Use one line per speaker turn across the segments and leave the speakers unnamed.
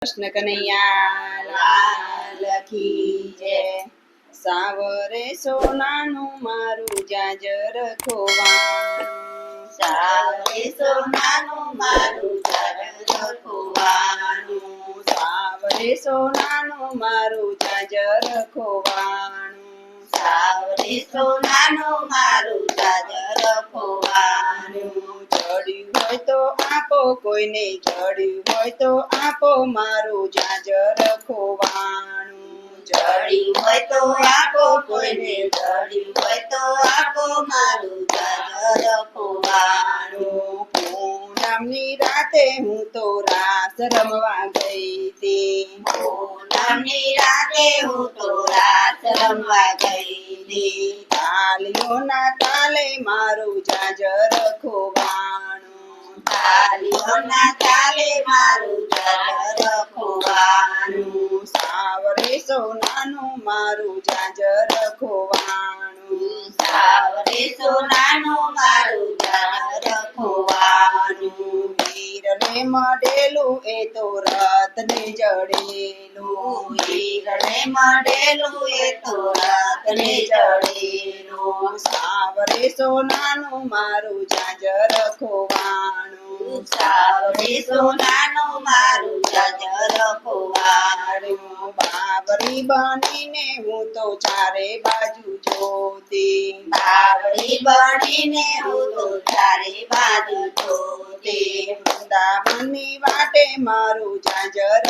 કૃષ્ણ કનૈયા લાલ કી જય। સાવરે સોનાનું મારું જાજર ખોવાનું,
સાવરે સોનાનું મારું જાજર ખોવાનું,
સાવરે સોનાનું મારું જાજર ખોવાનું,
સાવરે સોનાનું મારું જાજર ખોવાનું।
જડ્યું હોય તો આપો, કોઈને જડ્યું હોય તો આપો મારું જાજર ખોવાનું,
જડ્યું હોય તો આપો, કોઈને જડ્યું હોય તો આપો મારું જાજર ખોવાનું।
પૂનમની રાતે હું તો રાસ રમવા ગઈ હતી,
પૂનમની રાતે હું તો રાસ રમવા ગઈ હતી,
તાલીઓના તાલે મારું જાજર ખોવાનું,
તાલીઓના તાલે મારું જાજર ખોવાનું।
સાવરે સોનાનું મારું જાજર ખોવાનું,
સાવરે સોનાનું મારું જાજર ખોવાનું।
હીરને મળેલું એ તો રત્ને જડેલું,
હીરને મળેલું એ તો રત્ને જડેલું,
સાવરે સોનાનું મારું જાજર ખોવાનું,
સાવરે સોનાનું મારું જાજર ખોવાનું।
બાવરી બનીને હું તો ચારે બાજુ જોતી,
બાવળી બનીને હું તો ચારે બાજુ જોતી,
વૃંદાવનની વાટે મારું જાજર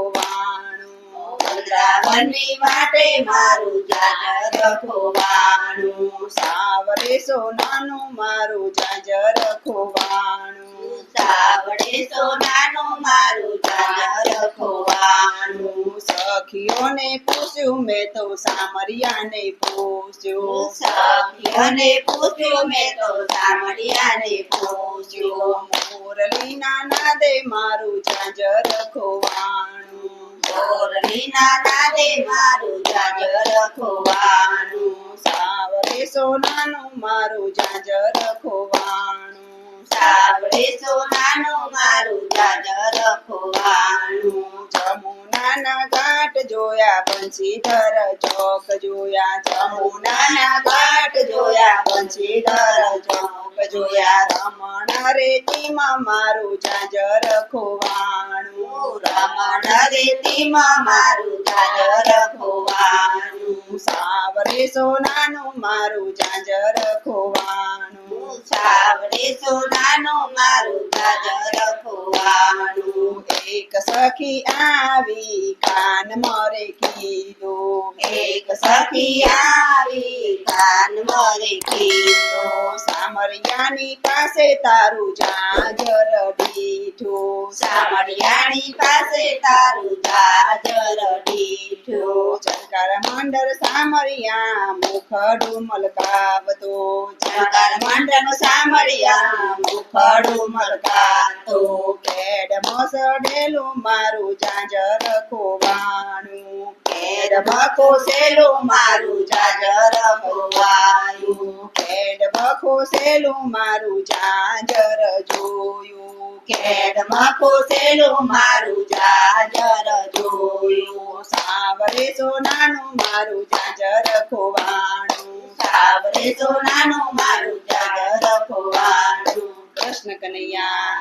ખોવાનું,
વૃંદાવનની વાટે મારું જાજર ખોવાનું।
સાવરે સોનાનું મારું જાજર ખોવાનું,
સાવરે સોનાનું મારું જાજર ખોવાનું।
સખીઓને પૂછ્યું મેં તો સામરિયાને પૂછ્યું,
સખીઓને પૂછ્યું મેં તો સામરિયાને પૂછ્યું,
મુરલીના નાદે મારું જાજર ખોવાનું,
મોરલીના નાદે મારું જાજર ખોવાનું।
સાવરે સોનાનું મારું જાજર ખોવાનું,
સાવરે સોનાનું મારું જાજર ખોવાનું।
જમુનાના ઘાટ જોયા, બંશીધર ચોક જોયા,
જમુનાના ઘાટ જોયા, બંશીધર ચોક જોયા,
રમણ રેતીમાં મારું જાજર ખોવાનું,
રમણ રેતીમાં મારું જાજર ખોવાનું।
સાવરે સોનાનું મારું જાજર ખોવાનું,
સાવરે સોનાનું મારું જાજર ખોવાનું।
એક સખી આવી કાન મરે કીધું,
એક સખી આવી કાન મરે કીધું,
સામરિયાની પાસે તારું જાજર દીઠું,
સામરિયાની પાસે તારું જાજર દીઠું,
શંકર મંડળ સામરિયા મુખડું મલકાવતો,
શંકર મંડળ સામરિયા મુખડું મલકાતો,
કેડ મસડેલું મારું જાજર ખોવાનું,
કેડ મખોસેલું મારું જાજર ખોવાયું,
કેડ મખોસેલું મારું જાજર જોયું,
કેડ મખોસેલું મારું જાજર જોયું,
સાવરે સોનાનું મારું જાજર ખોવાનું,
સાવરે સોનાનું મારું જાજર ખોવાનું।
કૃષ્ણ કનૈયા